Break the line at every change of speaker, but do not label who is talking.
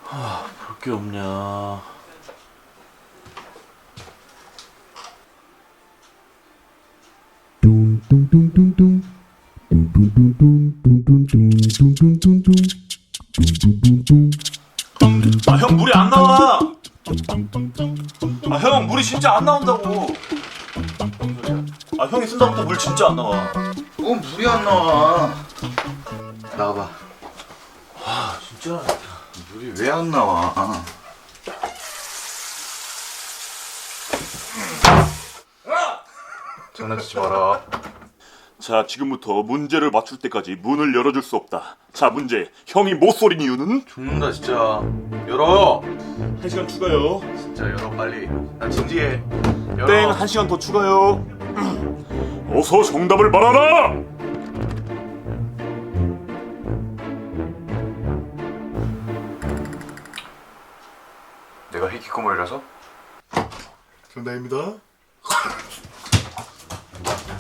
볼 게 없냐.
뚱뚱뚱뚱뚱 뚱뚱뚱뚱뚱뚱뚱뚱뚱뚱뚱 뚱뚱뚱뚱
아, 형 물이 안 나와. 아, 형 물이 진짜 안 나온다고. 아, 형이 쓴다부터 물 진짜 안 나와.
물이 안 나와. 나와봐.
아, 진짜.
물이 왜 안 나와? 장난치지 마라.
자, 지금부터 문제를 맞출 때까지 문을 열어줄 수 없다. 자, 문제. 형이 못 소린 이유는?
죽는다 진짜. 열어.
1시간 추가요.
진짜 열어 빨리. 나 진지해. 열어.
땡, 1시간 더 추가요. 어서 정답을 말하라!
내가 희귀꼬물이라서?
정답입니다.